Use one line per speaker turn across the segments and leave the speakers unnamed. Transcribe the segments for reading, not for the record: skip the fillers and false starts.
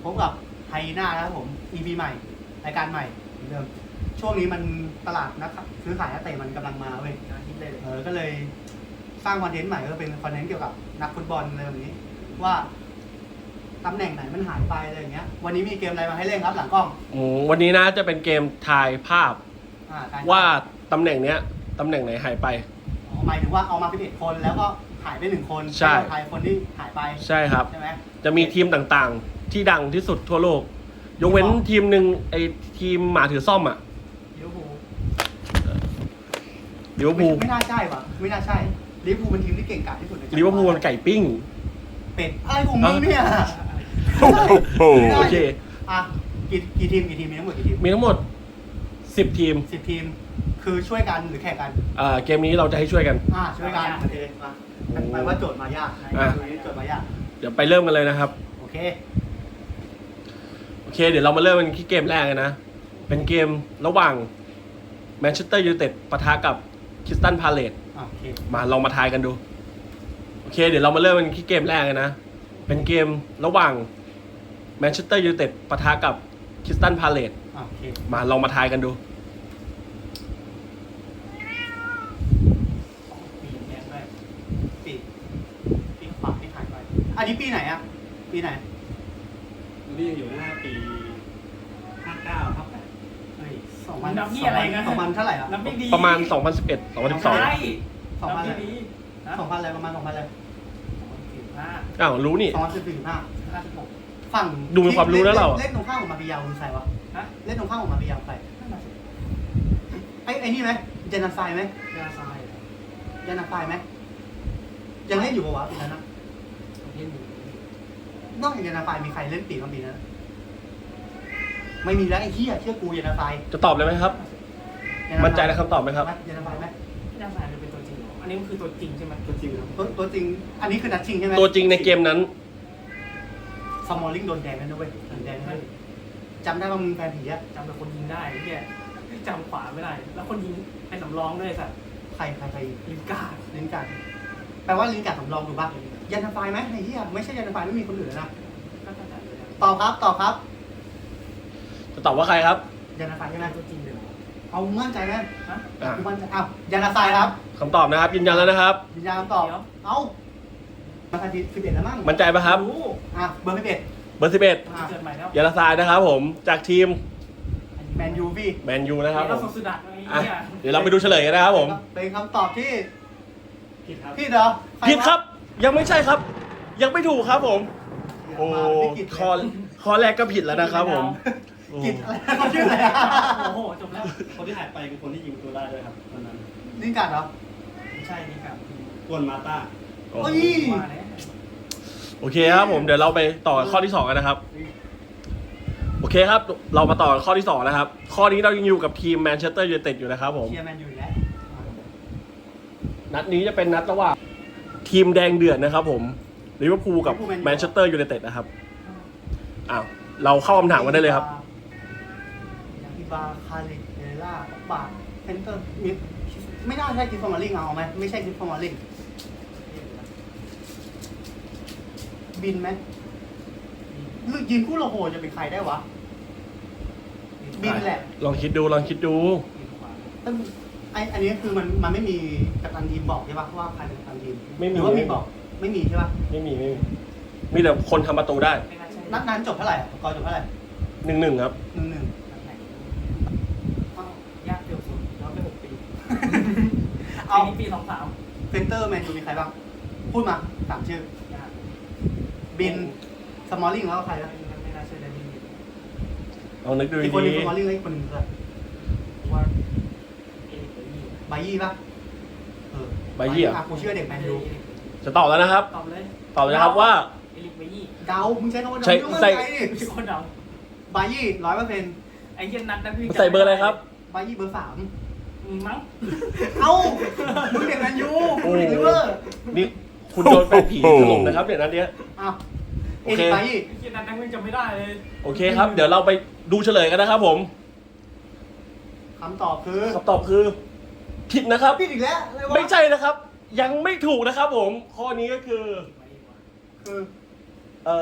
พบกับไฮน่านะครับผม EP ใหม่รายการใหม่เหมือนเดิมช่วงนี้มันตลาดนะครับซื้อขายนักเตะมันกำลังมาเว้ยก็เลยสร้างคอนเทนต์ใหม่ก็เป็นคอนเทนต์เกี่ยวกับนักฟุตบอลอะไรแบบนี้ว่าตำแหน่งไหนมันหายไปอะไรอย่างเงี้ยวันนี้มีเกมอะไรมาให้เล่นครับหลังกล้อง
วันนี้นะจะเป็นเกมทายภาพว่าตำแหน่งเนี้ยตำแหน่งไหนหายไป
หมายถึงว่าเอามา11คนแล้วก็หายไป1คน
ใช่
ทายคนที่หายไป
ใช่ครับ
ใช่ไหม
จะมีทีมต่างๆที่ดังที่สุดทั่วโลกยกเว้นทีมหนึ่งไอทีมหมาถือซ่อมอ่ะลิเวอร์พูล
ไม่น่าใช่ว่ะไม่น่าใช่ลิเวอร์พูลเป็นทีมที่เก่งกาจที่สุดใน
ลิเวอร์พูลมันไก่ปิ้ง
เป็ดอะไรของมึงเนี่ย
โอเค
อ่ะกี่ทีมมีทั้งหมดกี่ทีม
มีทั้งหมด10 ทีม
10 ทีมคือช่วยกันหรือแข่งกัน
เกมนี้เราจะให้ช่วยกัน
ช่วยกันโอเคมาหมายว่าโจทย์มายากโจทย์มายาก
เดี๋ยวไปเริ่มกันเลยนะครับ
โอเค
เดี๋ยวเรามาเริ่มกันที่เกมแรกนะเป็นเกมระหว่างแมนเชสเตอร์ยูไนเต็ดปะทะกับคริสตัลพาเลซมาลองมาทายกันดูเดี๋ยวเรามาเริ่มกันที่เกมแรกนะเป็นเกมระหว่างแมนเชสเตอร์ยูไนเต็ดปะทะกับคริสตัลพาเลซมาลองมาทายกันดู
ปีขวาที่หายไปอันนี้ปีไหนอ่ะปีไหน
นี่อยู่หน้าปี59ครับ
2000นับนี่อะไรนะ2000เท่าไหร่อ่ะ
ประมาณ 2011 2012
2000อะไรประมาณ2000อะไร
อ้าวรู้นี่
2014ฝั่ง
ดูมีความรู้แล้วเรา
เล่นตรงข้ามของมาปิยาวคือใครวะเล่นตรงข้ามของมาปิยาวใครไอ้นี่ไหมเจนันไฟไหมเจนันไฟไหมยังเล่นอยู่ปะวะปีนั้นนะนอกจากเจนันไฟมีใครเล่นปีนั้นปีนั้นไม่มีแล้วไอ้เหี้ยเชื่อกูเจนันไฟ
จะตอบเลยไหมครับมั่นใจในคำตอบไหมครับ
เจนันไฟไหม
เจนันไฟเป็นตัวจริงอันนี้มันคือตัวจริงใช่ไหมตัวจริงครับ
ตัวจริงอันนี้คือนัดชิงใช่ไหม
ตัวจริงในเกมนั้น
สมอลลิงโดนแดงแล้วนะเว้ยแดงเลยจำได้ว่ามึงแฟนผีอะ
จำแต่คนยิงได้เนี่ยจำขวาไม่ได้แล้วคนยิงเป็นสำรองด้วยสัตว์
ใคร
ลินการ์ด
แปลว่าลินการ์ดสำรองถูกป่ะยันทไฟไหมไอ้เหี้ยไม่ใช่ยันทไฟไม่มีคนอื่นนะตอบครับ
จะตอบว่าใครครับ
ยันทไฟใช่ไหม
ตัวจริงเลย
เอามั่นใจไหมมั่นใจยันทไฟครับ
คำตอบนะครับยืนยันแล้วนะครับ
ยืนยันคำตอบเอามาทันที11แล้วมั้ง
มั่นใจป่ะครับ
เบอร์11
ยันทรายนะครับผมจากทีม
แมน
ยูนะครับผมเดี๋ยวเราไปดูเฉลยกันนะครับผม
เป็นคำตอบที่ผิดเหรอ
ผิดครับยังไม่ใช่ครับยังไม่ถูกครับผมโอ้ข้อแรกก็ผิดแล้วนะครับผม
ผิดอะไรเขาชื่ออะไร
โอ้โหจบแล้ว
คนที่หายไปคือคนที่ยิงตัวได้ด้วยครับตอนนั้นลินการ์ดเหรอ
ไม่ใช่ลินการ์ด
กวนมาต้า
โอเคครับผมเดี๋ยวเราไปต่อข้อที่2กันนะครับโอเคครับเรามาต่อข้อที่2นะครับข้อนี้เรายังอยู่กับทีมแมนเชสเตอร์ยูไนเต็ดอยู่นะครับผม
เชียร์แมนยูแล้ว
นัดนี้จะเป็นนัดระหว่างทีมแดงเดือดนะครับผมลิเวอร์พูลกับแมนเชสเตอร์ยูไนเต็ดนะครับเราเข้าคำถามกันได้เลยครับ
ยากิบาคาริเอล่าบาเซนเตอร์ไม่น่าใช่คิดฟอร์มาลิงเอาไหมไม่ใช่คิดฟอร์มาลิงบินไหมยิงคู่โลโหจะเป็นใครได้วะบินแหละ
ลองคิดดู
อันนี้คือมันไม่มีกัปตันทีมบอกใช่ปะว่าใครเป็นกัปตันทีมหรือว่ามีบอกไม่มีใช่ปะ
ไม่มีแต่คนทำประตูได้
นัดนั้นจบเท่าไหร่กอร์จบเท่าไหร่
1-1ครับ
1-1
ยากเดียวสุดย้อนไป6 ปีเอาปี23
เซนเตอร์แมนยูมีใครบ้างพูดมา3ชื่อบินสมอลลิงแล้วใครนะ
ไม่น่าเชื่อได้ดี
เอานึกดูดี
อีกคนนึงสมอลลิงแล้วอีกคนนึงคือ
ว่า
บายี่ป่ะ
บายี่
กูเชื่อเด็กแมนยู
จะตอบแล้วนะครับ
ตอบเลย
นะครับว่า
เดามึงใช้คำว่าเดา
ใส่
คนเดา
บายี่ 100%
ไอ้เหี้ยนัดนั้นพี่
ใส่เบอร์อะไรครับ
บายี่เบอร์ 3
มั้ง
เอ้ามึงเด็กแมนยูเด็กลิเวอร์
นี่คุณโดนแฟนผีถล่มนะครับเดี๋ยวนั้นเนี้ย
โอเคบายี่
ไอ้นัดนั้นจำไม่ได้เลย
โอเคครับเดี๋ยวเราไปดูเฉลยกันนะครับผม
คำตอบ
คือผิดนะครับ
ผิดอีกแล้ว
ไม่ใช่นะครับยังไม่ถูกนะครับผมข้อนี้ก็คือ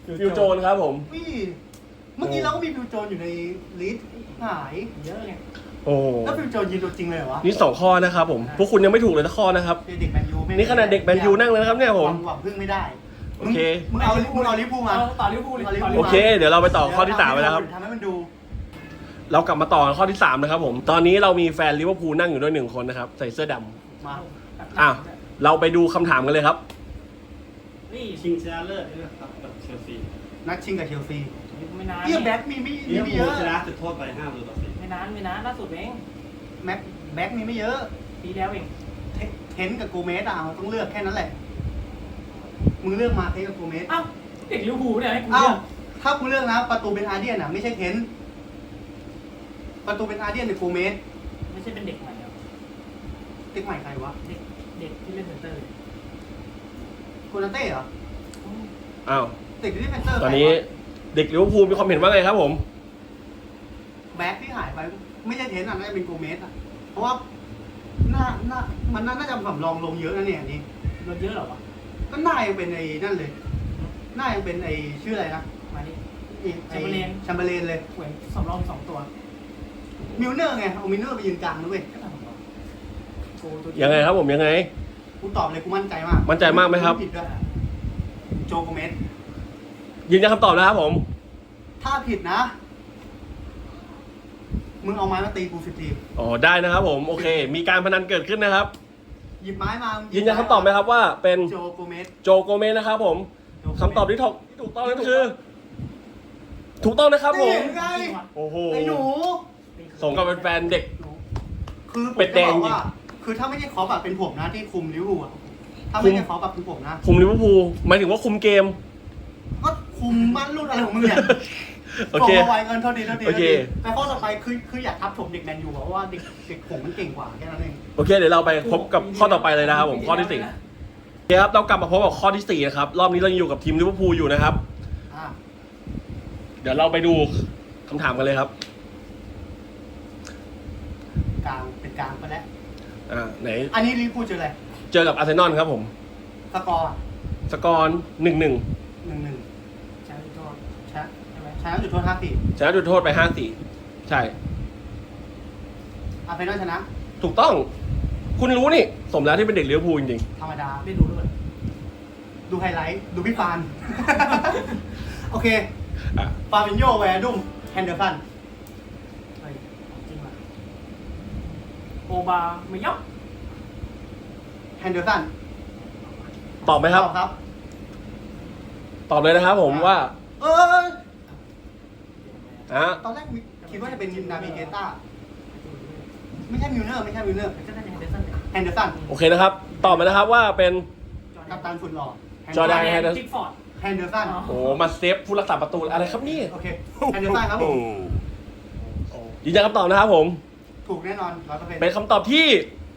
ฟิวโจนครับผม
พี่เมื่อกี้เราก็มีฟิวโจนอยู่ในลิสต์หาย
เยอะไง
โอ้โห
แล้วฟิวโจนยืนตัวจริงเลยเหรอวะ
นี่2ข้อนะครับผมพวกคุณยังไม่ถูกเลยสักข้อนะครับ
เด็กแมนยูไม่
นี่ขนาดเด็กแมนยูนั่งเลยนะครับเนี่ยผม
หวังพึ่งไม่ได้
โอเค
มึงเอาลิเวอร์พูลมา
ต่อลิเวอร์พูลเลยต่อลิ
โอ
เวอร์พูล
เค เดี๋ยวเราไปต่อข้อที่3ไปแล้วครับ
ทำให้มันดู
เรากลับมาต่อกันข้อที่3นะครับผมตอนนี้เรามีแฟนลิเวอร์พูลนั่งอยู่ด้วย1คนนะครับใส่เสื้อดำ
มา
อ่ะเราไปดูคำถามกันเลยครับ
นี่
ชิงชนะเลิศด้วยครับกับเชลซี
นัดชิงกับเชลซี
ไม่นาน
เยี่ยแบ็กมีไม่
ลิเวอร์
ไม่
พู
เย
ล
อะ
ชนะจุดโทษไป5-4
ไม่นานล่าสุดเอง
แบ็กมีไม่เยอะ
ปีแล้วเอง
เทนกับโกเมสอ่ะต้องเลือกแค่นั้นแหละมึงเลือกมาเทนกับโกเมส
อ้าวเด็กลิเวอร์พูลเนี่ยให้กู
เอ้า
เลือก
ถ้ากูเลือกนะประตูเป็นอาร์เดียนอ่ะไม่ใช่เทนประตูเป็นอาร์เดียนหรือโกเมส
ไม่ใช่เป็นเด็กใหม่ครับ
เด็กใหม่ใครวะ
เด็กที่เล่นเซนเตอร์เลย
โคนาเต้เหรอ
อ้าว
เด็กที่เล่นเซนเตอร์
ตอนนี้เด็กลิเวอร์พูลมีความเห็นว่าไงครับผม
แบ็กที่หายไปไม่ใช่เทนอ่ะน่าจะเป็นโกเมสอ่ะเพราะว่ามันน่าจะสำรองลงเยอะนะเนี่ยอันนี้
รถเยอะเหรอวะ
ก็น่ายังเป็นไอ้นั่นเลยน่ายังเป็นไอ้ชื่ออะไรนะ
มาดิ
แชมเบอร์เลนเลย
เหมือนสำรอง2ตัว
มิลเนอร์ไงเอามิลเนอร์ไปยืนกลางนะเว้ย
ก็ทำของเราโกตัว
ยังไงครับผมยังไง
กูตอบเลยกูมั่นใจมาก
มั่นใจมากไหมครับ
ผิดด้วยโจโกเมส
ยืนยันคำตอบนะครับผม
ถ้าผิดนะ มึงเอาไม้มาตีกู10 ที
อ๋อได้นะครับผมโอเค มีการพนันเกิดขึ้นนะครับ
หยิบไม้มา
ยื
ยื
นยันคำตอบไหมครับว่าเป็น
โจโกเมส
โจโกเมสนะครับผมคำตอบที่ถูกต้องนั่นคือ ถูกต้องนะครับผม
นี่ไง
โอ้โห
ไอ้หนู
สมกับเป็นแฟนเด็ก
คือผม
เป็ดแด
จะ
ง
บอกว่า คือถ้าไม่ใช่คอปอะเป็นผมนะที่คุมลิเวอร์พูลอะถ้าไม่ใช่คอปอะเป็นผมนะ
คุมลิเวอร์พูลหมายถึงว่าคุมเกม
ก็คุมบ้านรุ่นอะไรของมึงเนี่ย
โอเค
ส่งมาไวเงินเท่าดี
โอเค
แต่ข้อต่อไปคืออยากทับถมเด็กแมนยูอะเพราะว่าเด็กผมมันเก่งกว่าแค่นั้นเอง
โอเค เดี๋ยวเราไปพบกับข้อต่อไปเลยนะครับผมข้อที่4โอเคครับเรากลับมาพบกับข้อที่4นะครับรอบนี้เรายังอยู่กับทีมลิเวอร์พูลอยู่นะครับ
อ่ะ
เดี๋ยวเราไปดูคำถามกันเลยครับ
กลางเป็นกลางไปแล้ว
ไหน
อันนี้ลิเวอร์พูลเจออะไร
เจอกับอาร์เซนอลครับผม
สกอร์
สกอร์1-1
1-1
ใช่โทษ
ชนะ
ใช่ไหม
ชนะจุดโทษ5-4
ชนะจุดโทษไป5-4ใช่
อาร์เซนอลชนะ
ถูกต้อง คุณรู้นี่ สมแล้วที่เป็นเด็กลิเวอร์พูลจริง
ธรรมดา
ไม่รู้ด้วย
ดูไฮไลท์ ดูพี่ฟาน โอเค
ๆอ่ะ
ฟาบินโยแวร์ดุมแฮนเดอร์สัน
เฮ้ยจริงว่ะโอบาไม่ยอก
แฮนเดอร์สัน
ตอบไหมครับ
ครับ
ตอบเลยนะครับผมว่า
เออ
อ่ะ
ตอนแรกคิดว่าจะเป็นนาบิเกต้า ไม่ใช่มิลเนอร์ ไม่ใช่มิลเนอร์
ก็น่าจะเฮนเดอร์สันเนี่ย
แฮนเดอร์สัน
โอเคนะครับ ตอบมานะครับว่าเป็น
กัปตันฝุ่นหล่อ
จอร์แดน
จิกฟอร์ด
แฮนเดอร์สัน
อ๋อ
โอ้มาเซฟผู้รักษาประตูอะไรครับนี่
โอเค แฮนเดอร์สันครับผม
ยืนยันคำตอบนะครับผม
ถูกแน่นอน100%
เป็นคำตอบที่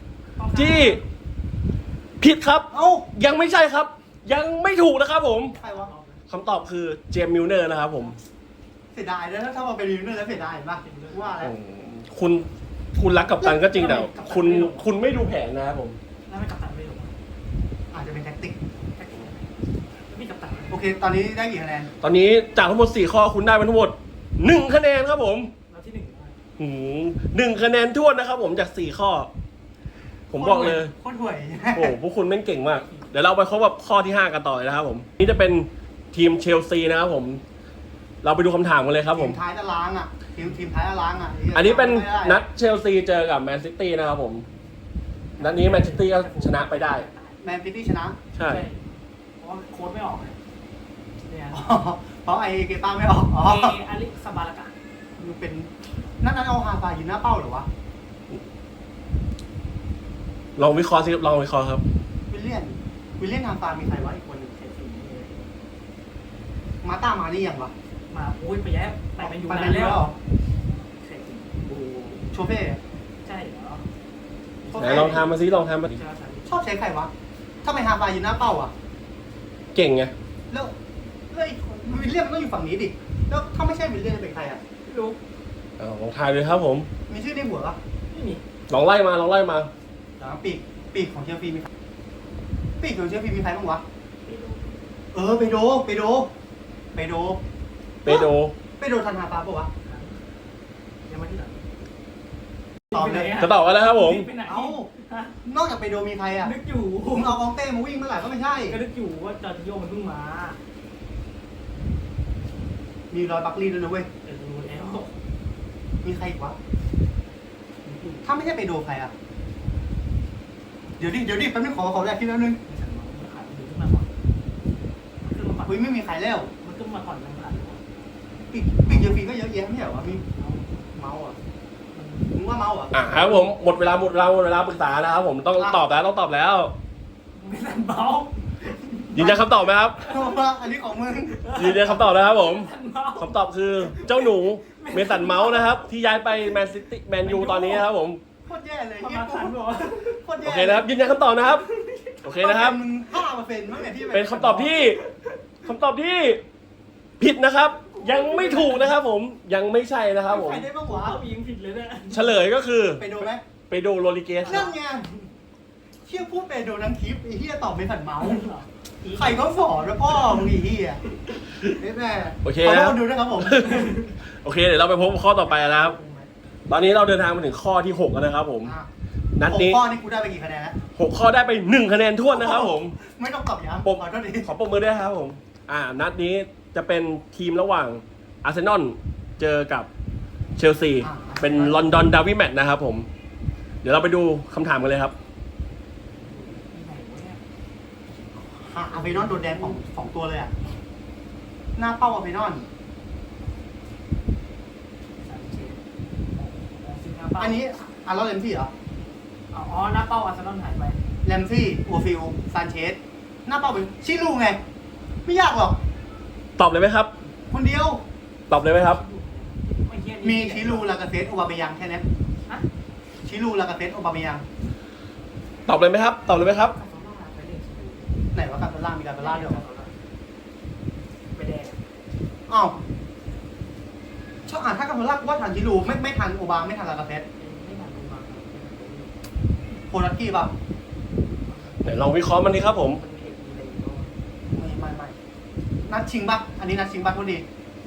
ผิดครับ
เอ้า
ยังไม่ใช่ครับ ยังไม่ถูกนะครับผม
ใครวะ
คำตอบคือเจมส์มิลเนอร์นะครับผม
เสียดายนะถ้ามาเป็นมิลเนอร์แล้วเสียดายป่ะว่าแล้ว
คุณรักกับตันก็จริงแต่คุณไม่ดูแผนนะครับผม
แล้วไม่กัปตันไม่รู้
อาจจะเป็นแท็กติก
แท็กติกอะไรแล้วมีกัปตัน
โอเค ตอนนี้ได้กี่คะแนน
ตอนนี้จากทั้งหมด4ข้อคุณได้มาทั้งหมด1คะแนนครับผม
แล้วที่หนึ่ง
1คะแนนท้วนนะครับผมจาก4ข้อ ผมบอกเลย
โคตรห่วย
โอ้พวกคุณแม่งเก่งมาก เดี๋ยวเราไปพบกับข้อที่ 5 กันต่อเลยนะครับผม นี่จะเป็นทีมเชลซีนะครับผม เราไปดูคำถามกันเลยครับผม
ทีมท้ายตารางอ่ะ ทีมท้ายตารางอ่ะ
อันนี้เป็นนัดเชลซีเจอกับแมนซิตี้นะครับผม นัดนี้แมนซิตี้ก็ชนะไปได้
แมนซิตี้ชนะ
ใช่
เพราะว่าโค้ดไม่ออกเลยเนี่ย
อ๋อเพราะไอเกต้าไม่ออก อ๋อ
เออาริสบาลากะ
มันเป็นนั่นเอาฮาฟายืนหน้าเป้าเหรอวะ
ลองวิเคราะห์สิลองวิเคราะห์ครับ
วิลเลียนฮาฟามีใครวะอีกคนหนึ่งมาต้ามานี่ยังวะ
มาโอ้ยไปแย้มไปเป็นอยู่
ไป
นา
เป็น
น
แล้
แล้ว ว
เหรอ
ใช่จริง
โชเฟ่
ใช่เหรอ
ไหนลองทำมาสิลองทำมาสิ
ใช่ใช่
ชอบใช้ใครวะถ้าไม่ฮาฟายืนหน้าเป้าอ่ะ
เก่งไง
แล้วไอ้วิลเลียนมันต้องอยู่ฝั่งนี้ดิ แล้วถ้าไม่ใช่วิลเลียนจะเป็นใครอ่ะ
ไม่รู้
ลองทายเลยครับผม
มีชื่อในหัวปะ
ไม่มี
ลองไล่มา
แล้วปีกของเชลซีมีใครปีกของเชลซีมีใครบ้างวะ
ไม่รู้
ไปโดเปโด
เปโด
เปโดทันฮาปาปะวะ
ยังไม่ที่ไหน
ตอบเลย
จะตอบกันแล้วครับผม
ไปไหน
เอ้า
ฮะ
นอกจากเปโดมีใครอ่ะ
นึกอยู่
มึงเอาอองเต้มาวิ่งเมื่อไหร่ก็ไม่ใช่
ก็นึกอยู่ว่าจอร์จิโยมันเพิ่งมา
มีรอยบัคลี่ด้วยนะเว้ย
แต่รู้แล้ว
มีใครอีกวะ ถ้าไม่ใช่เปโดใครอ่ะ เดี๋ยวดิแป๊บนึงขอแรกที่แล้วนึง
ไม่ใช่มันขายมันขึ้นมาก่อนมันขึ้นมาก่อน
เฮ้ยไม่มีใครแล้ว
มันขึ้นมาก่อนมันขายก่อน
ปีกเยอะปีก็เยอะแยะไม่ใช่เหรอวะมีเมาส์อ่ะมึงว่าเมาส์อ่ะ
ครับผมหมดเวลาปรึกษานะครับผมต้องตอบแล้ว
ไม่ทันเบา
ยืนยันคำตอบไหมครับ
อันนี้ของมึง
ยืนยันคำตอบนะครับผม
ทันเบา
คำตอบคือเจ้าหนูเมสันเมาส์นะครับ ที่ย้ายไปแมนซิตี้แมนยูตอนนี้นะครับผม
โคตรแย่เลย
ประ
เฮีย
มาณ
กู
ทันบอกว่า
โคตร
โอ
แย่
เคนะครับยืนยันคำตอบนะครับโอเคนะครับ
มึง5%มั้งเนี่ยที่
เป็นคำตอบที่ผิดนะครับ ยังไม่ถูกนะครับผมยังไม่ใช่นะครับผม
ใครได้บ้างวะ
ว้าวยิงผิดเลยเนี่ย
เฉลยก็คือ
เปโดไหม
เปโดโรลิเกส
นั่นไงเชี่ยพูดเปโดทั้งคลิปไอ้เฮียตอบไม่ผันเมาส์ใครเขาสอนนะพ่อมึงไอ้เฮียแม่
โอเค
ขอ
นะ
โทษดูนะครับผม
โอเคเดี๋ยวเราไปพบข้อต่อไปนะครับ ตอนนี้เราเดินทางมาถึงข้อที่6แล้วนะครับผม นัดนี้
6 ข้อนี่กูได้ไปกี่คะแนนแล้ว
6 ข้อได้ไป1คะแนนท้วนนะครับผม
ไม่ต้องตอบย้ำ
ผม
ขอโทษที
ขอปรบมือด้วยครับผมนัดนี้จะเป็นทีมระหว่างอาร์เซนอลเจอกับเชลซีเป็นลอนดอนดาร์บี้แมตช์นะครับผม เดี๋ยวเราไปดูคำถามกันเลยครับ
อาร์เฟนอนโดนแดงสองตัวเลยอ่ะ หน้าเป้าอาร์เฟนอน อันนี้อาร์ลอเลมซี่เหรอ
อ๋อหน้าเป้าอาร์เซนอลหายไป
เลมซี่โอฟิลซานเชส หน้าเป้าเป็นชิลูไง ไม่ยากหรอก
ตอบเลยไหมครับ
คนเดียว
ตอบเลยไหมครับ
ไม่เฮี้ย
มีชิลูลากาเซตโอบาเมยังแค่นี้
ฮะ
ชิลูลากาเซตโอบาเมยัง
ตอบเลยไหมครับ ตอบเลยไหมครับ
คาโซล่าไปเล่นชิลู
ไหนว่าการตล่ามีการตล่าด้วยเหรอ
ไปแดง
อ้าวชอบถ้าการตล่าว่าทันชิลูไม่ทันโอบาไม่ทันลากาเซต
ไม่ทันดูมา
โคลัสกี้ป่ะ
ไหนลองวิเคราะห์มันดีครับผม
มันมีเอกมีอะไรอยู่
ไม่นัดชิงป่ะ อันนี้นัดชิงป่ะพอดี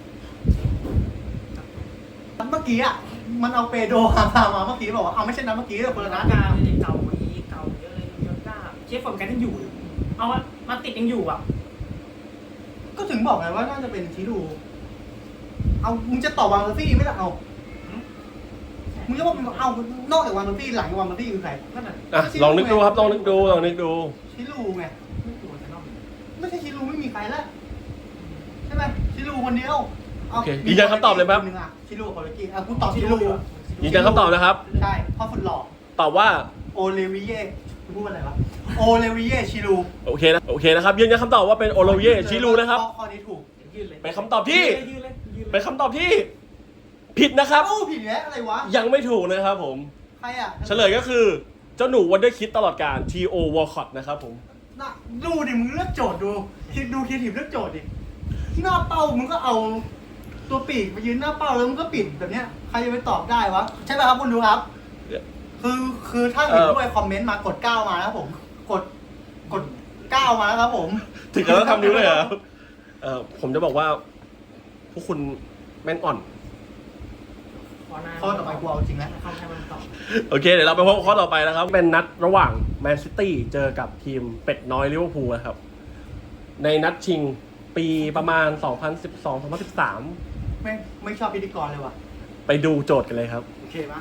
เมื่อกี้อ่ะ มันเอาเปโดหามาเมื่อกี้บอกว่าเอาไม่ใช่นัดเมื่อกี้แต่คนละนัด
กาเก่าอีเก่าเยอะเลยยอดก้าเชฟฟอร์มกันยังอยู่ เอามาติดยังอยู่อ่ะ
ก็ถึงบอกไงว่าน่าจะเป็นชิลูเอามึงจะตอบวางเมอร์ซี่ไม่ได้เอามึงจะบอกมึงเอานอกจากวางเมอร์ซี่หลังจากวางเมอร์ซี่คือใคร
นั่นน่ะ
ลองนึกดูครับลองนึกดู
ชิลูไง
ไม่ตัวจะนอก
ไม่ใช่ชิลูไม่มีใครแล้วใช่ไหมชิลูคนเดียว
โอเคยืนยันคำตอบเลยไหมครับ
นนึงอ่ะชิลูกับโคลัสกี้กูตอบชิลู
ยืนยันคำตอบนะครับ
ใช่เพราะฝุ่นหล่อ
ตอบว่า
โอเลวิเย่พูดว่าอะไรวะ โอเลวิเย่ชิลู
โอเคนะครับยืนยันคำตอบว่าเป็นโอโลเยชิลูนะครับ
ข้อนี้ถูก
ยืนเลย
เป็นคำตอบที่
ยืนเลยยืนเลย
เป็นคำตอบที่ผิดนะครับ
เอ้าผิดแล้วอะไรวะ
ยังไม่ถูกนะครับผม
ใครอ่ะ
เฉลยก็คือเจ้าหนูวันเดอร์คิดตลอดการ T.O. Walcott นะครับผม
น่ะดูดิมึงเลือกโจทย์ดูคิดดูคิดถีบเลือกโจทย์ดิหน้าเป้ามึงก็เอาตัวปีกไปยืนหน้าเป้าแล้วมึงก็ปิดแบบเนี้ยใครจะไปตอบได้วะใช่ไหมครับคุณดูครับ คือถ้าเห็นด้วยคอมเมนต์มากด 9 มานะครับผม กด 9 มานะครับผม
ถึงกับต้องทำนิ้วเลยเหรอผมจะบอกว่าพวกคุณแม่งอ่อน
ข้อต่อไปกูเอาจริงแล้ว
เข้าใครมันตอบ
โอเค เดี๋ยวเราไปพบข้อต่อไปนะครับ เป็นนัดระหว่างแมนซิตี้เจอกับทีมเป็ดน้อยลิเวอร์พูลนะครับ ในนัดชิงปีประมาณ 2012-2013
ไม่ชอบพิธีกรเลยว่ะ
ไปดูโจทย์กันเลยครับ
โอเคปะ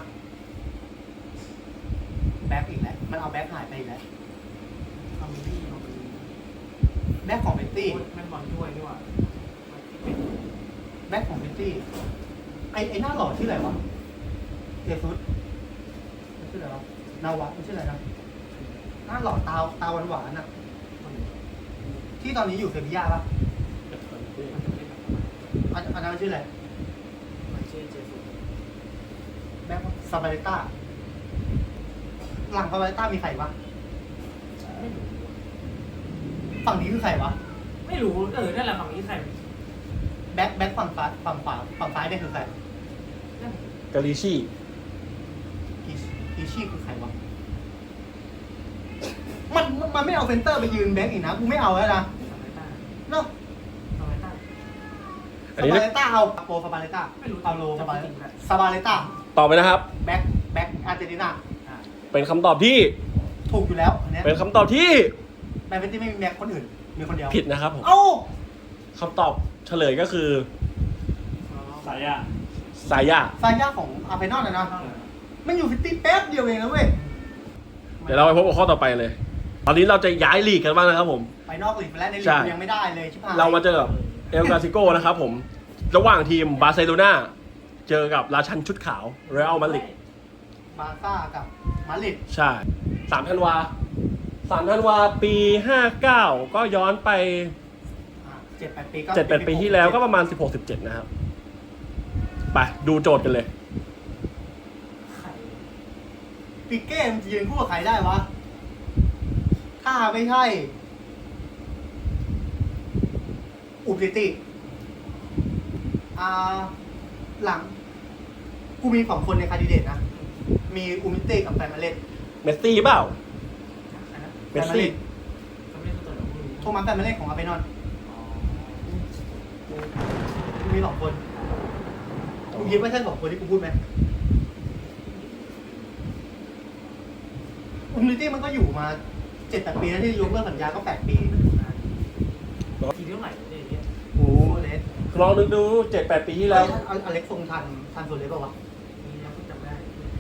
แบ็คอีกแล้วมันเอาแบ็คหายไปอีกแล้ว
ทำที่มัน
แบ็คของเบตตี้
แม่นบอลด้วยนี่หว่า
แบ็คของเบตตี้ไอหน้าหล่อชื่ออะไรวะเจฟุตชื่ออะไรวะนาวะมันชื่ออะไรนะหน้าหล่อตาหวานหวานๆอ่ะที่ตอนนี้อยู่เซบีย่าปะอันนั้นชื่ออะไร
มันชื่อเจสุ
แบ็คซาบาเลต้าหลังซาบาเลต้ามีใครวะ
ไม่รู้
ฝั่งนี้คือใครวะ
ไม่รู้นั่นแหละฝั่งนี้ใคร
แบ็คฝั่งซ้ายฝั่งขวาฝั่งซ้ายเนี่ยคือใคร
กาลิชี่
กีชี่คือใครวะมันไม่เอาเซนเตอร์ไปยืนแบ็คอีกนะกูไม่เอาแล้วนะ
สมัยต้า
เนาะ
สมัยต้า
อัน
ซา
นี้
บาเลต้าเอาโปฟาบาเลต้า
ไม่รู้
เอาโล
จำ
ฟาบา
ไม่
เล
จริง
ต้า
เลย
ซาบาเลต้า
ตอบไปนะครับ
แบ็คอาร์เจนตินา
อ่า
เป็นคำตอบที่
ถูกอยู่แล้วอันเนี้ย
เป็นคำตอบที่
แมนเชสเตอร์ไม่มีแม็กคนอื่นมีคนเดียว
ผิดนะครับผม
เอ้า
คำตอบเฉลยก็คือ
สายะ
สายา
ซาย่าของอาร์เซนอลนะมันอยู่ซิตี้แป๊บเดียวเองนะเว้ย
เดี๋ยวเราไปพบกับข้อต่อไปเลย ตอนนี้เราจะย้ายลีกกันบ้างนะครับผม
ไปนอกลีกไปแล้วในลี
ใช่
กยังไม่ได้เลยชิบหาย
เรามาเจอกับเอลกาซิโกนะครับผม ระหว่างทีมบาร์เซโลนาเจอกับราชันชุดขาวเรอัลมาดริด
บาร์ซ่ากับมาดริด
ใช่3 ธันวาปี 59 ก็ย้อนไป
7-8 ปีก็
7-8 ปีที่แล้วก็ประมาณ 16-17 นะครับ ไปดูโจทย์กันเลย
ไข่
ปิเก้มันจะยืนคู่กับใครได้วะ ถ้าไม่ใช่อุบลิติหลัง กูมี2คนในคาดิเดตนะ มีอุมิเต้กับแฟนมาเล่น
เมสซี่เปล่า
อันนั้น
เมสซี่
เขาไม่ได้ตัวเราไม่รู้
โทมัสแฟนมาเล่นของอาร์เซนอล
อ๋อ
กูมี2 คนกูคิดว่าใช่2 คนที่กูพูดไหมอุมิเต้มันก็อยู่มา 7-8 ปีแล้วที่ยกเลิกสัญญาก็8 ปี
ทีเท่าไหร่เนี่ย
โอ้เลส
ลองนึกดู 7-8 ปีที่แล้ว
อเล็กทรงทันโซเลสเปล่าวะ
มีแล้วก็จำได้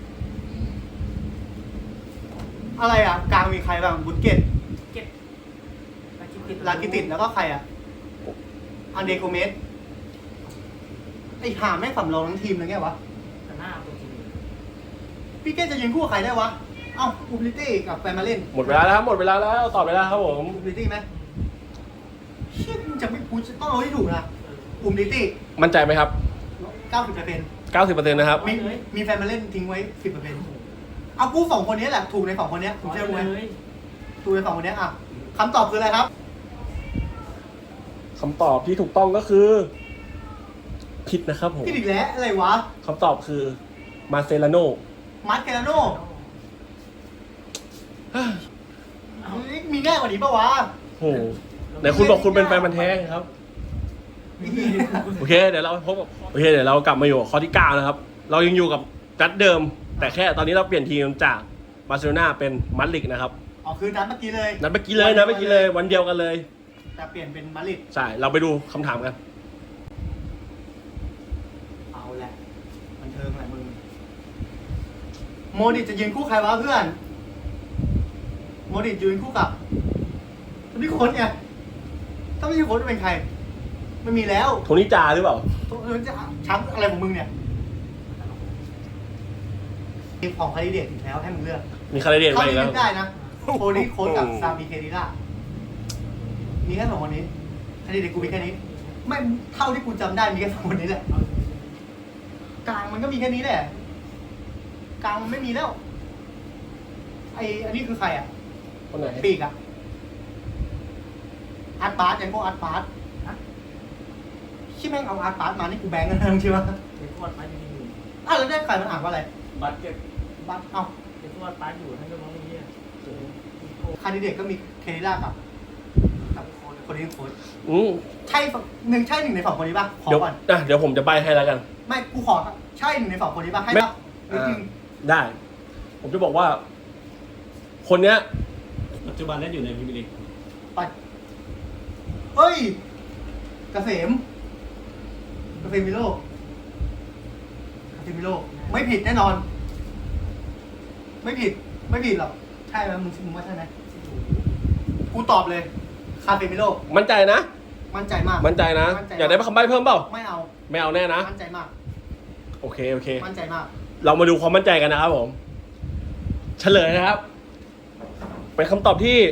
อะไรอ่ะ กลางมีใครบ้างบุสเกต
เก็บ
ลากิติดแล้วก็ใครอ่ะ อันเดโกเมสไอ้ห่าแม่งสำรองทั้งทีมเลยไงวะ
แต่หน้าตัวจริง
พี่เก้จะยืนคู่กับใครได้วะ เอ้าอูบลิตี้กับแฟนมาเล่น
หมดเวลาแล้วครับหมดเวลาแล้วตอบไปแล้วครับผม
อูบลิตี้ไหมเชี่ยมึงจะไม่กูจะต้องเอาให้ถูกนะอูบลิตี้
มั่นใจไหมครับ
90%
90%นะครับ
มีแฟนมาเล่นทิ้งไว้ 10%เอากู2 คนนี้แหละ ถูกใน 2 คนนี้ถูกเชื่อกูไหม
เลย
ถูกใน 2 คนนี้อ่ะคำตอบคืออะไรครับ
คำตอบที่ถูกต้องก็คือ ผิดนะครับผม
พี่อีกแล้วอะไรวะ
คำตอบคือมาเซลาโน
มาร์คเกลาโน่มีแน่กว่านี้ปะวะ
โอ้โหไหนคุณบอกคุณเป็นแฟนมันธุ์แท้ครับ โอเคเดี๋ยวเราพบกับโอเคเดี๋ยวเรากลับมาอยู่กับข้อที่ 9 นะครับ เรายังอยู่กับนัดเดิม แต่แค่ตอนนี้เราเปลี่ยนทีมจากบาร์เซโลนาเป็นมาดริดนะครับ
อ๋อคือนัดเมื่อกี้เลย
นัดเมื่อกี้เลยวันเดียวกันเลย
แต่เปลี่ยนเป็นมาดริด
ใช่เราไปดูคำถามกัน
เอาแหละบันเทิงแหละมึงโมดิจะยืนคู่ใครวะเพื่อนโมดิยืนคู่กับนี่โค้ชไงถ้าไม่ใช่โค้ชจะเป็นใครไม่มีแล้ว
โทนี่จาหรือเปล่า
จะช้ำอะไรของมึงเนี่ยมีของคาริเดตอีกแล้วให้มึงเลือก
มีคาราเดน
เท่า
ไป
ที่
แล้ว
นึกได้นะโทนี่โค้ชกับซามิเคดิล่ามีแค่2 คนนี้คาริเดตกูมีแค่นี้ไม่เท่าที่กูจำได้มีแค่2 คนนี้แหละกลางมันก็มีแค่นี้แหละกลางมันไม่มีแล้วอันนี้คือใครอ่ะ
คนไหน
ปีกอ่ะอาร์ตบาร์สยังพวกอาร์ตบาร์สชิแม่งเอาอาร์ตบาร์สมานี่กูแบงกันทั้งใช่ไหม
เป็นทวดป้าอยู่
แล้วได้ใครมันอ่านว่าอะไร
บัตเก็ต
บาร์สเอ้า
เป็นทวดป้าอยู่ท่านก็มองอย่างนี้
คาดิเดตก็มีเคนิล่ากับคนนี้โค้ช ใช่หนึ่งใน2 คนนี้ป่ะขอ
เดี๋ยว
ก่อน
เดี๋ยวผมจะใบให้แล้วกัน
ไม่กูขอใช่1 ใน 2 คนนี้ป่ะให้ป่ะจริง
ได้ ผมจะบอกว่า คนเนี้ย
ปัจจุบันเล่นอยู่ในพรีเมียร์ลีก
ไปเฮ้ยเกษมมิโลไม่ผิดแน่นอน ไม่ผิดหรอกใช่ไหมมึงว่าใช่ไหมกูตอบเลยคาเฟมิโล
มั่นใจนะ
มั่นใจมาก
มั่นใจนะ อยากได้คำใบเพิ่มเปล่า
ไม่เอา
ไม่เอาแน่นะ
มั่นใจมาก
โอเค
มั่นใจมาก
เรามาดูความมั่นใจกันนะครับผม เฉลยนะครับ เป็นคำตอบที่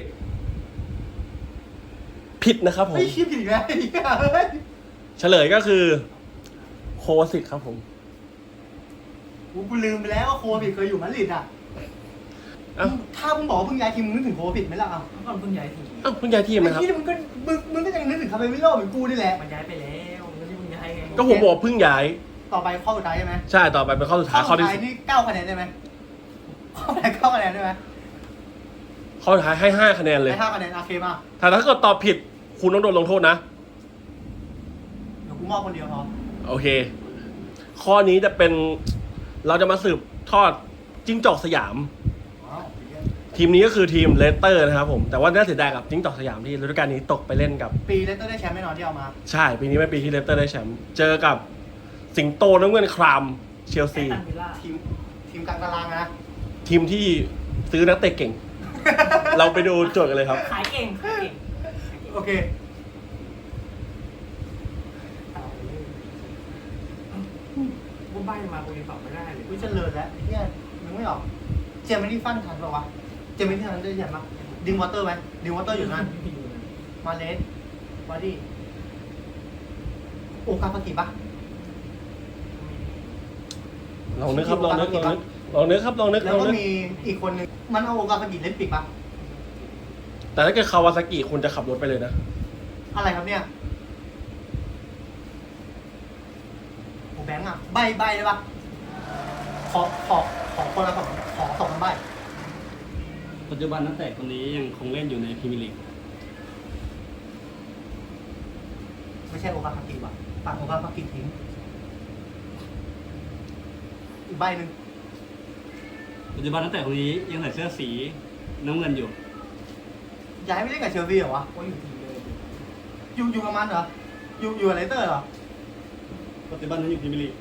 ผิดนะครับผม
ไม่คิดอีกแล้วไอ้เหี้ยเฮ้ย
เฉลยก็คือ โควาซิตครับผม
กูลืมไปแล้วว่าโควิดเคยอยู่มาดริดอ่ะ
เอ้า
ถ้ามึงบอกว่าเพิ่งย้ายทีมมึงนึกถึงโควิดไหมล่ะเอ้า
เมื่อก่อนเพิ่งย้ายที
เอ้าเพิ่งย้ายทีม
ไอ้
นะครับ
ที่มึงก็ยังนึกถึงคาเฟมิโลเหมือนกูนี่แหละ
มันย้ายไปแล้วมันไม่ได้เพิ่งย้ายไง
ก็ผมบอกเพิ่งย้าย
ต่อไปข้อสุดท้ายใช่ไหม
ใช่ต่อไปเป็นข้อสุดท้ายข้อที่
นี่9 คะแนนได้ไหมข้อสุดท้าย9 คะแนนได้ไหม
ข้อสุดท้ายให้ 5 คะแนนเลย
ได้5 คะแนนโอเคมา
ถ้าเกิดตอบผิด คุณต้องโดนลงโทษนะ
เดี๋ยวกูมอบคนเดียวพอ
โอเค ข้อนี้จะเป็นเราจะมาสืบทอดจิ้งจอกสยาม
ว้าว
ทีมนี้ก็คือทีมเลสเตอร์นะครับผมแต่ว่าน่าเสียดายกับจิ้งจอกสยามที่ฤดูกาลนี้ตกไปเล่นกับ
ปีเลสเตอร์ได้แชมป์แน่นอนที่เอามา
ใช่ปีนี้เป็นปีที่เลสเตอร์ได้แชมป์เจอกับสิงโตน้ำเงินครามเชลซี
แอสตันวิลล่า
ทีมกลางตารางนะ
ทีมที่ซื้อนักเตะเก่ง เราไปดูโจทย์กันเลยครับ
ขายเก่งขายเก่ง
โอเค
บุ้มใบมากูยังตอบไม่ได้เลย
วิจเลิศแล้วไอ้เนี่ยนึกไม่ออกเจมินี่ฟันทันเปล่าวะเจมินี่ทันได้แชมป์ปะดิงวอเตอร์ไหมดิงวอเตอร์อยู่นั่นมาเลสวาดี้โอกาฟากิปะ
ลองนึกครับลองนึกครับลองนึก
แล้วก็มีอีกคนนึงมันเอาโอกาฟากิเล่นปิดปะ
แต่ถ้าเกิดคาวาซากิคุณจะขับรถไปเลยนะ
อะไรครับเนี่ยโอ้แบงค์อะใบได้ปะขอคนละสองใบ
ปัจจุบันนักเตะคนนี้ยังคงเล่นอยู่ในพรีเมียร์ลีก
ไม่ใช่โอกาฟากิว่ะตัดโอกาฟากิทิ้งอีกใบหนึ่ง
ปัจจุบันนักเตะคนนี้ยังใส่เสื้อสีน้ำเงินอยู่
ย้ายไม่เล่นกับเชลซีเหรอวะ
โอ้ยอยู่ทีมเลย
อยู่กับมันเหรออยู่กับเลสเตอร์เหรอ
ปัจจุบันนั้นอยู่พรีเมียร์ลีก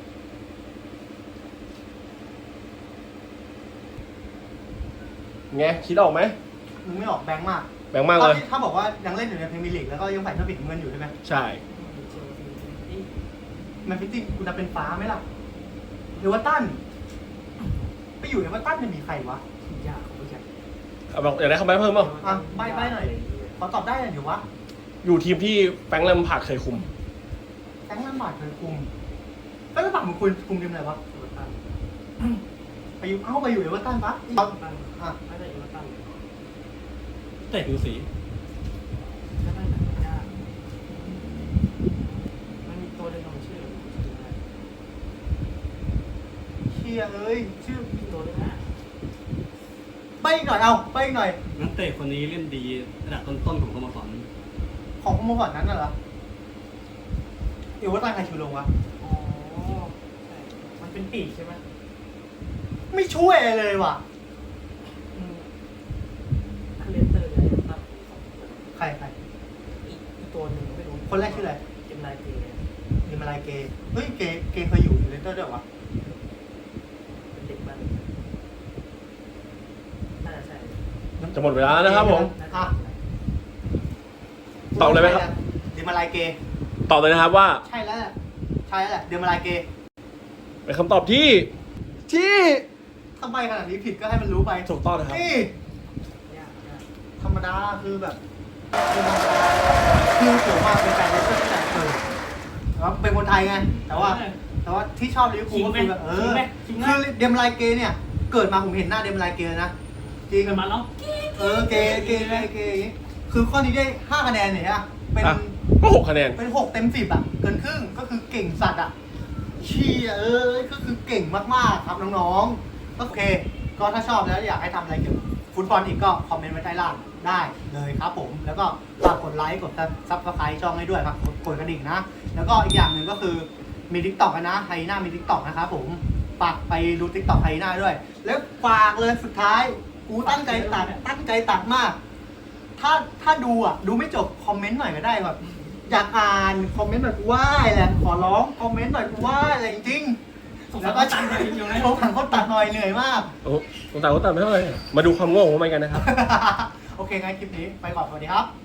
ไงคิดออกไหม
มึงไม่ออกแบงค์มาก
แบงค์มากเลย
ถ้าบอกว่ายังเล่นอยู่ในพรีเมียร์ลีกแล้วก็ยังใส่เสื้อปิดเงินอยู่ใช่ไหม
ใช่
เชลซี
แมนซิตี้คุณจะเป็นฟ้าไหมล่ะหรือว่าตั้นไปอยู่ในว่าตั้นจะมีใครวะ
ยากเขาไม่ใช่
เอาบอกอยากได้คำใบ้เพิ่มเปล่า
อ่ะใบ้หน่อย ขอตอบได้หน่อยเดี๋ยววะ
อยู่ทีมที่แฟรงค์แลมพาร์ดเคยคุม
แฟรงค์แลมบาร์ดเคยคุมแล้วลำบากมึงคุมทีมอะไรวะ
เอเวอร์ตัน
ไปอยู่เอเวอร์ตันปะ
เอเวอร์ตัน
อ่ะ
ไม่ได้เอเวอร์ตัน
เตะผิวสี
ไม่ได้แต่ยากมันมีตัวเดียวของชื่อ
เชียเอ้ยชื่อ
ตัวเดียวนะ
ใบอีกหน่อยเอาใบอีกหน่อย
นักเตะคนนี้เล่นดีระดับต้นๆของสโมสร
ของโมก่อนนั้นน่ะเหรอเอเวอร์ตันใครชิวลงวะ
อ๋อใช่มันเป็นปีกใช่ไหม
ไม่ช่วยเลยว่ะ
ถ้าเลสเตอร์เนี่ยตั้ง
ใคร
อีกตัวหนึ่งไม่รู้
คนแรกชื่ออะไร
เป็นลายเกย์
เดมาลายเกย์เฮ้ยเกย์เคยอยู่เลสเตอร์ด้วยวะ
เป็นเด็กบ้านน่าจะใช่
จะหมดเวลาแล้วนะครับผม
อ่ะ
ตอบเลยไหมครับ
เดมาลายเกย์
ตอบเลยนะครับว่า
ใช่แล้วแหละเดมาลายเกย์
เป็นคำตอบที่
ทำไมขนาดนี้ผิดก็ให้มันรู้ไป
ถูกต้องนะครับ
นี่
ยาก
ธรรมดาคือแบบคือเกี่ยวมากเป็นแฟนเลสเตอร์ตั้งแต่เกิดแล้วเป็นคนไทยไง แต่ว่าที่ชอบลิเวอร์พูลก็คือแบบคือเดมไลเกเนี่ย เกิดมาผมเห็นหน้าเดมไลเกนะจริง
เกิดมาแล้ว
เกคือข้อนี้ได้5 คะแนนเนี่ยฮะเป็น
อ่ะก็6คะแนน
เป็น6 เต็ม 10อ่ะเกินครึ่งก็คือเก่งสัตว์อ่ะเชี่ยก็คือเก่งมากๆครับน้องๆโอเค ก็ถ้าชอบแล้วอยากให้ทำอะไรเกี่ยวกับฟุตบอลอีกก็คอมเมนต์ไว้ใต้ล่างได้เลยครับผม แล้วก็ฝากกดไลค์กดซับสไครต์ช่องให้ด้วยครับกดกระดิ่งนะ แล้วก็อีกอย่างหนึ่งก็คือมี TikTok นะไฮน่ามี TikTok นะครับผมฝากไปดู TikTok ไฮน่าด้วย แล้วฝากเลยสุดท้ายกูตั้งใจตัดมาก ถ้าดูอ่ะดูไม่จบคอมเมนต์หน่อยก็ได้แบบอยากอ่านคอมเมนต์หน่อยกูว่าแหละขอร้องคอมเมนต์หน่อยกูว่าอะไรจริงๆแล้วก็ตัดหน่อยอยู่นะโทรถังเขาตัดหน่อยเหนื่อยมาก
โอ้สงสารก็ตัดไม่เท่าไหร่มาดูความโง่ของมันกันนะครับ
โอเคงั้นคลิปนี้ไปก่อนสวัสดีครับ